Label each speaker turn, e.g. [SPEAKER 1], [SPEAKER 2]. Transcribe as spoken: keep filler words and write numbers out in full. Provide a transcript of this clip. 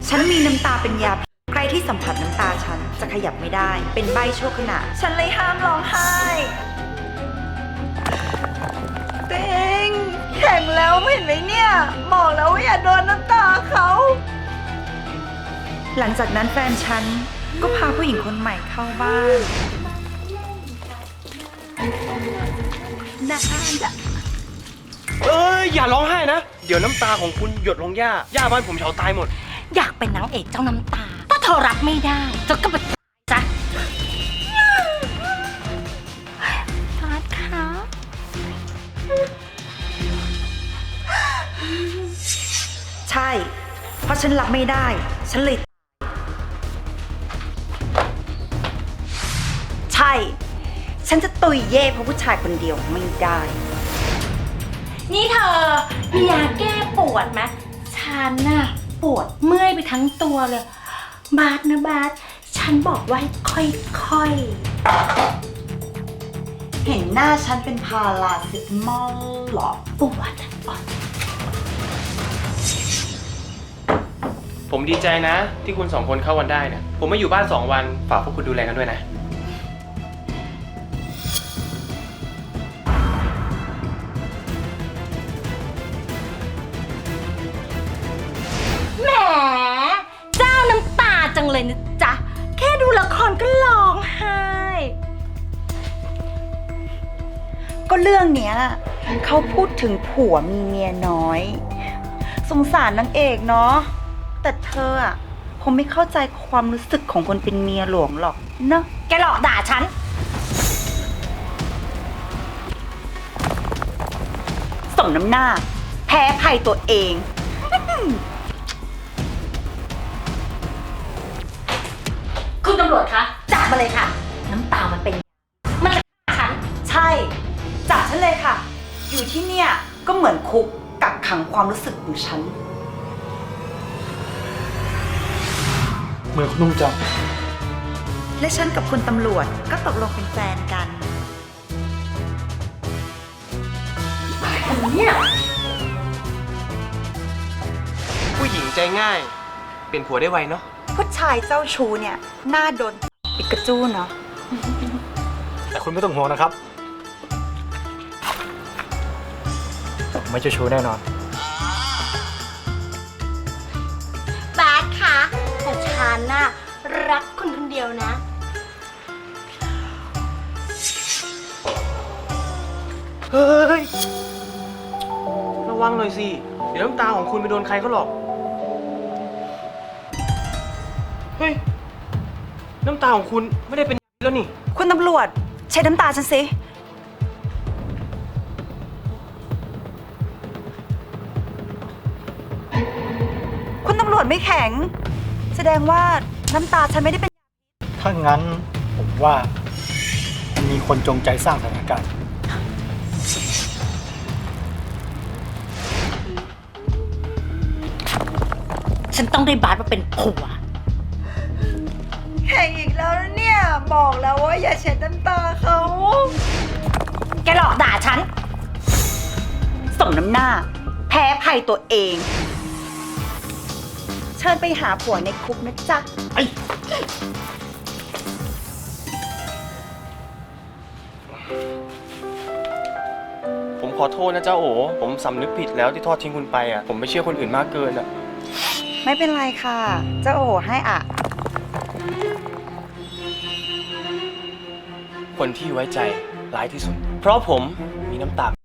[SPEAKER 1] ฉันมีน้ำตาเป็นยาพิษใครที่สัมผัสน้ำตาฉันจะขยับไม่ได้ เป็นใบชั่วขณะ ฉันเลยห้ามร้องไห้เต็งแข็งแล้วเห็นไหมเนี่ยบอกแล้วว่าอย่าโดนน้ำตาเขา หลังจากนั้นแฟนฉันก็พาผู้หญิงคนใหม่เข้าบ้านน่าจะ
[SPEAKER 2] เอ้ยอย่าร้องไห้นะ เดี๋ยวน้ำตาของคุณหยดลงหญ้าหญ้าบ้านผมเฉาตายหมด
[SPEAKER 3] อยากเป็นนางเอกเจ้าน้ำตา ถ้าเธอรับไม่ได้เธอก็ไปจ้ะฟาดค่ะ
[SPEAKER 1] ใช่ เพราะฉันรับไม่ได้ ฉันเลย ใช่ ฉันจะตุยเย่เพราะผู้ชายคนเดียวไม่ได้
[SPEAKER 3] นี่เธอมียาแก้ปวดไหมฉันน่ะปวดเมื่อยไปทั้งตัวเลย บาสนะบาสฉันบอกว่าค่อยๆ
[SPEAKER 1] เห็นหน้าฉันเป็นพาราเซตามอลหรอ
[SPEAKER 3] ปวดปวด
[SPEAKER 2] ผมดีใจนะ ที่คุณสองคนเข้าวันได้เนี่ยผมมาอยู่บ้านสองวันฝากพวกคุณดูแลกันด้วยนะ
[SPEAKER 3] แหมเจ้าน้ำตาจังเลยนะจ๊ะ แค่ดูละครก็ร้องไห้
[SPEAKER 1] ก็เรื่องเนี้ยเขาพูดถึงผัวมีเมียน้อย สงสารนางเอกเนาะ แต่เธออะคงไม่เข้าใจความรู้สึกของคนเป็นเมียหลวงหรอกเนอะ
[SPEAKER 3] แกหลอกด่าฉัน
[SPEAKER 1] สมน้ำหน้า แพ้ภัยตัวเอง
[SPEAKER 3] คุณตำรวจคะจับมาเลยค่ะ น้ำตามันเป็น มันจะฆ่าฉัน
[SPEAKER 1] ใช่ จับฉันเลยค่ะ อยู่ที่เนี่ยก็เหมือนคุกกักขังความรู้สึกของฉัน
[SPEAKER 4] เมื่อคุณนุ่งจัง
[SPEAKER 1] และฉันกับคุณตำรวจก็ตกลงเป็นแฟนกัน
[SPEAKER 3] เนี่ย
[SPEAKER 2] ผู้หญิงใจง่าย เป็นผัวได้ไวเนาะ
[SPEAKER 1] ผู้ชายเจ้าชู้เนี่ยหน้าโดนปิกาจูเนาะ
[SPEAKER 4] แต่คุณไม่ต้องห่วงนะครับผมไม่เจ้าชู้แน่นอน
[SPEAKER 3] บาสคะแต่ฉันน่ะรักคุณคนเดียวนะ
[SPEAKER 2] เฮ้ย ระวังหน่อยสิ เดี๋ยวน้ำตาของคุณไปโดนใครเขาหรอก เฮ้ย น้ำตาของคุณไม่ได้เป็นแล้วนี่
[SPEAKER 1] คุณตำรวจใช้น้ำตาฉันสิ คุณตำรวจไม่แข็ง แสดงว่าน้ำตาฉันไม่ได้เป็น
[SPEAKER 4] ถ้างั้นผมว่ามันมีคนจงใจสร้างสถานการณ์
[SPEAKER 3] ฉันต้องได้บาสมาเป็นผัว
[SPEAKER 1] แข่งอีกแล้วนะเนี่ย บอกแล้วว่าอย่าเช็ดน้ำตาเขา
[SPEAKER 3] แกหลอกด่าฉัน
[SPEAKER 1] สมน้ำหน้า แพ้ภัยตัวเอง เชิญไปหาผัวในคุกนะจ๊ะ
[SPEAKER 2] ผมขอโทษนะเจ้าโอ๋ผมสำนึกผิดแล้วที่ทอดทิ้งคุณไปอ่ะ ผมไม่เชื่อคนอื่นมากเกินอ่ะ
[SPEAKER 1] ไม่เป็นไรค่ะ เจ้าโอให้อ่ะ
[SPEAKER 2] คนที่ไว้ใจร้ายที่สุด เพราะผมมีน้ำตา